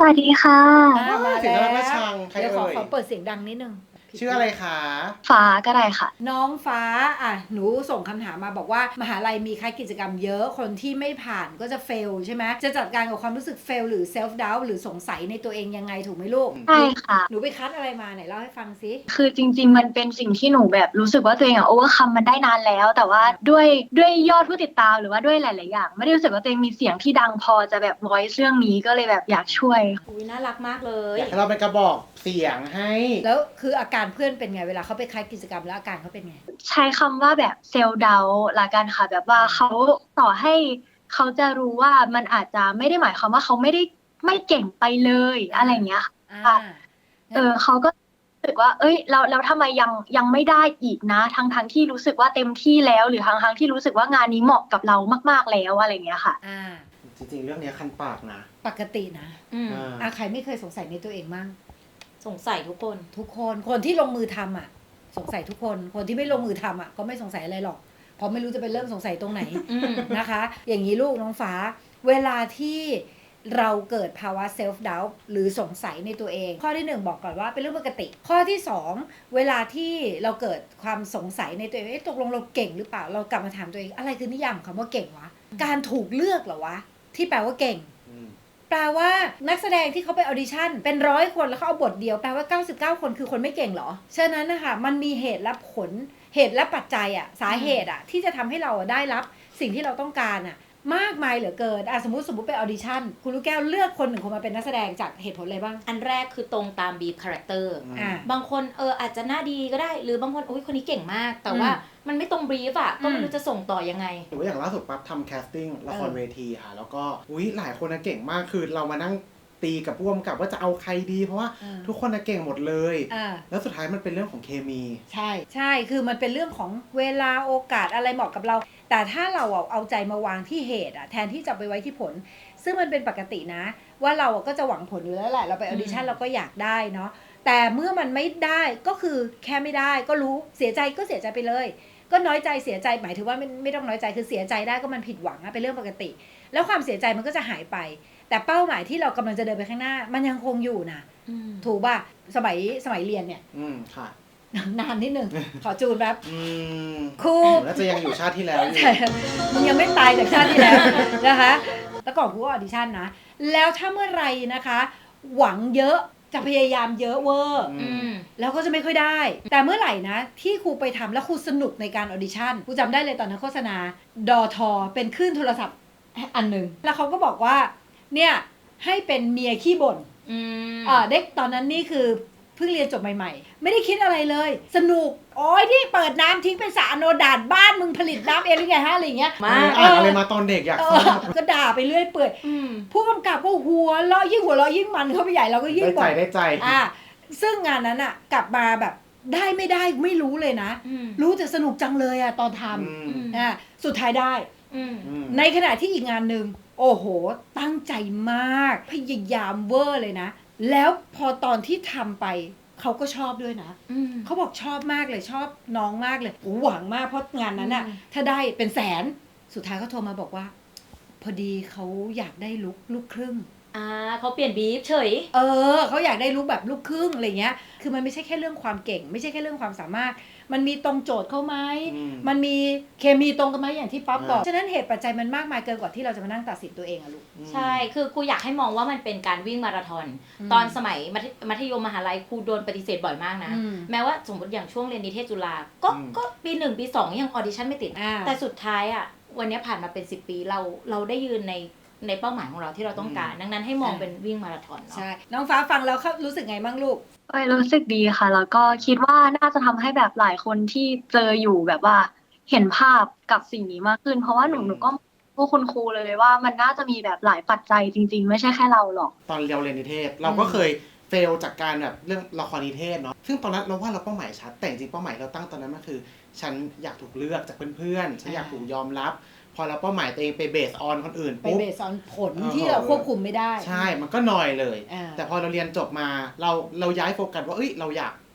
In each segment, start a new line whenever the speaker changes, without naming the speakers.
วัสดีค่ะ
มา
เสียง
แล้
น่ารักน่า
ว
ชังใคร
เดี๋ยวขอ
เอ่ย
ขอเปิดเสียงดังนิดนึง
ชื่ออะไรคะ
ฟ้าก็ได้ค่ะ
น้องฟ้าหนูส่งคำถามมาบอกว่ามหาลัยมีค่ากิจกรรมเยอะคนที่ไม่ผ่านก็จะเฟลใช่ไหมจะจัดการกับความรู้สึกเฟลหรือเซลฟ์ดาวหรือสงสัยในตัวเองยังไงถูกไหมลูก
ใช่ค่ะ
หนูไปคัดอะไรมาไหนเล่าให้ฟังสิ
คือจริงๆมันเป็นสิ่งที่หนูแบบรู้สึกว่าตัวเองโอเวอร์คัมมันได้นานแล้วแต่ว่าด้วยยอดผู้ติดตามหรือว่าด้วยหลายๆอย่างไม่ได้รู้สึกว่าตัวเองมีเสียงที่ดังพอจะแบบ voice เรื่องนี้ก็เลยแบบอยากช่วย
อุ้ยน่ารักมากเล
อยากให้เราเป็นกระบอกเสียงให้
แล้วคืออาการเพื่อนเป็นไงเวลาเขาไปคัดกิจกรรมแล้วอาการเขาเป็นไง
ใช้คำว่าแบบเซลล์เดาละกันค่ะแบบว่าเขาต่อให้เขาจะรู้ว่ามันอาจจะไม่ได้หมายความว่าเขาไม่ได้ไม่เก่งไปเลยอะไรอย่างเงี้ยค่ะเขาก็รู้สึกว่าเอ้ยเราทำไมยังไม่ได้อีกนะทั้งที่รู้สึกว่าเต็มที่แล้วหรือทั้งที่รู้สึกว่างานนี้เหมาะกับเรามากๆแล้วอะไรอย่างเงี้ยค่ะ
จริงๆเรื่องนี้คันปากนะ
ปกตินะใครไม่เคยสงสัยในตัวเองมั่ง
สงสัยทุกคน
คนที่ลงมือทำสงสัยทุกคนที่ไม่ลงมือทำก็ไม่สงสัยอะไรหรอกเพราะไม่รู้จะไปเริ่มสงสัยตรงไหนนะคะ อย่างนี้ลูกน้องฟ้าเวลาที่เราเกิดภาวะเซลฟ์ดาวต์หรือสงสัยในตัวเองข้อที่1บอกก่อนว่าเป็นเรื่องปกติข้อที่2เวลาที่เราเกิดความสงสัยในตัวเองตกลงเราเก่งหรือเปล่าเรากลับมาถามตัวเองอะไรคือนิยามของคำว่าเก่งวะการถูกเลือกเหรอวะที่แปลว่าเก่งแปลว่านักแสดงที่เขาไปออดิชั่นเป็น100 คนแล้วเขาเอาบทเดียวแปลว่า99 คนคือคนไม่เก่งเหรอฉะนั้นนะคะมันมีเหตุและผลเหตุและปัจจัยสาเหตุที่จะทำให้เราได้รับสิ่งที่เราต้องการมากมายเหลือเกินสมมติไปออดิชั่นคุณลูกแก้วเลือกคน1 คนมาเป็นนักแสดงจากเหตุผลอะไรบ้าง
อันแรกคือตรงตามบีฟคาแรคเตอร์บางคนอาจจะหน้าดีก็ได้หรือบางคนอุ้ยคนนี้เก่งมากแต่ว่ามันไม่ตรงบีฟก็ไม่รู้จะส่งต่อยังไง
หรือว่าอย่างล่าสุดปั๊บทำแคสติ้งละครเวทีค่ะแล้วก็หลายคนเก่งมากคือเรามานั่งตีกับร่วมกับว่าจะเอาใครดีเพราะว่าทุกคนเก่งหมดเลยแล้วสุดท้ายมันเป็นเรื่องของเคมี
ใช่คือมันเป็นเรื่องของเวลาโอกาสอะไรเหมาะกับเราแต่ถ้าเราเอาใจมาวางที่เหตุแทนที่จะไปไว้ที่ผลซึ่งมันเป็นปกตินะว่าเราก็จะหวังผลอยู่แล้วแหละเราไปออดิชั่นเราก็อยากได้เนาะแต่เมื่อมันไม่ได้ก็คือแค่ไม่ได้ก็รู้เสียใจก็เสียใจไปเลยก็น้อยใจเสียใจหมายถึงว่าไม่ต้องน้อยใจคือเสียใจได้ก็มันผิดหวังเป็นเรื่องปกติแล้วความเสียใจมันก็จะหายไปแต่เป้าหมายที่เรากำลังจะเดินไปข้างหน้ามันยังคงอยู่นะถูกป่ะสมัยเรียนเนี่ย
ค่ะ
นานนิดหนึ่งขอจูนแป๊บ
ครูน่าจะยังอยู่ชาติที่แล้วอยู่
มันยังไม่ตายจากชาติที่แล้วนะคะแล้วก่อนครูก็ออดิชั่นนะแล้วถ้าเมื่อไรนะคะหวังเยอะจะพยายามเยอะเวอร์แล้วก็จะไม่ค่อยได้แต่เมื่อไหร่นะที่ครูไปทำแล้วครูสนุกในการออดิชั่นครูจำได้เลยตอนนั้นโฆษณาดอทอเป็นคลื่นโทรศัพท์อันหนึ่งแล้วเขาก็บอกว่าเนี่ยให้เป็นเมียขี้บ่นเด็กตอนนั้นนี่คือเพิ่งเรียนจบใหม่ๆไม่ได้คิดอะไรเลยสนุกโอ้ยที่เปิดน้ำทิ้งเป็นสระอโนดาตบ้านมึงผลิตน้ำเองหรือไงฮะอะไรเงี้ย
มาอะไรมาตอนเด็กอยากทราบ
ก็ด่าไปเรื่อยเปื่อยผู้กำกับก็หัวเราะยิ่งมันเข้าไปใหญ่เราก็ยิ่ง
ได้ใจ
ซึ่งงานนั้นกลับมาแบบได้ไม่ได้ไม่รู้เลยนะรู้แต่สนุกจังเลยตอนทำสุดท้ายได้ในขณะที่อีกงานหนึ่งโอ้โหตั้งใจมากพยายามเวอร์เลยนะแล้วพอตอนที่ทำไปเขาก็ชอบด้วยนะเขาบอกชอบมากเลยชอบน้องมากเลยหวังมากเพราะงานนั้นถ้าได้เป็นแสนสุดท้ายเขาโทรมาบอกว่าพอดีเขาอยากได้ลูกครึ่ง
เขาเปลี่ยนบีฟเฉย
เขาอยากได้ลูกแบบลูกครึ่งอะไรเงี้ยคือมันไม่ใช่แค่เรื่องความเก่งไม่ใช่แค่เรื่องความสามารถมันมีตรงโจทย์เข้าไหมมันมีเคมีตรงกันไหมอย่างที่ป๊อปบอกฉะนั้นเหตุปัจจัยมันมากมายเกินกว่าที่เราจะมานั่งตัดสินตัวเองลูก
ใช่คือครูอยากให้มองว่ามันเป็นการวิ่งมาราธอนตอนสมัยมัธยมมหาลัยครูโดนปฏิเสธบ่อยมากนะแม้ว่าสมมติอย่างช่วงเรียนนิเทศจุฬาก็ปี1ปี2ยังออดิชั่นไม่ติดแต่สุดท้ายวันนี้ผ่านมาเป็น10 ปีเราได้ยืนในเป้าหมายของเราที่เราต้องการดังนั้นให้มองเป็นวิ่งมาราธอนเนาะ
ใช่น้องฟ้าฟังแล้วรู้สึกไงบ้างลูก
รู้สึกดีค่ะแล้วก็คิดว่าน่าจะทำให้แบบหลายคนที่เจออยู่แบบว่าเห็นภาพกับสิ่งนี้มากขึ้นเพราะว่าหนูก็พวกคุณครูเลยว่ามันน่าจะมีแบบหลายปัจจัยจริงๆไม่ใช่แค่เราหรอก
ตอนเราเรียนนิเทศเราก็เคยเฟลจากการแบบเรื่องละครนิเทศเนาะซึ่งตอนนั้นเราว่าเราเป้าหมายชัดแต่จริงเป้าหมายเราตั้งตอนนั้นมันคือฉันอยากถูกเลือกจากเพื่อนๆฉันอยากถูกยอมรับพอเราเป้าหมายตัวเองไปเบสออนคนอื่น
ไปเบสออนผลที่เราควบคุมไม่ได้
ใช่มันก็หน่อยเลยแต่พอเราเรียนจบมาเราย้ายโฟกัสว่าเราอยาก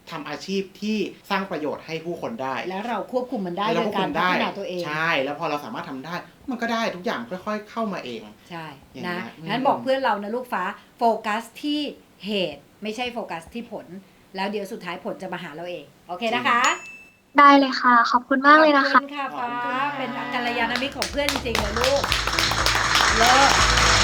ทำอาชีพที่สร้างประโยชน์ให้ผู้คนได้
แล้วเราควบคุมมันได้โดยการพัฒนาตัวเอง
ใช่แล้วพอเราสามารถทำได้มันก็ได้ทุกอย่างค่อยๆเข้ามาเอง
ใช่นะงั้นบอกเพื่อนเรานะลูกฟ้าโฟกัสที่เหตุไม่ใช่โฟกัสที่ผลแล้วเดี๋ยวสุดท้ายผลจะมาหาเราเองโอเคนะคะ
ได้เลยค่ะขอบคุณมากเลยนะคะ
ขอบคุณค่ะฟ้าเป็นกัลยาณมิตรของเพื่อนจริงๆเลยลูกเลิศ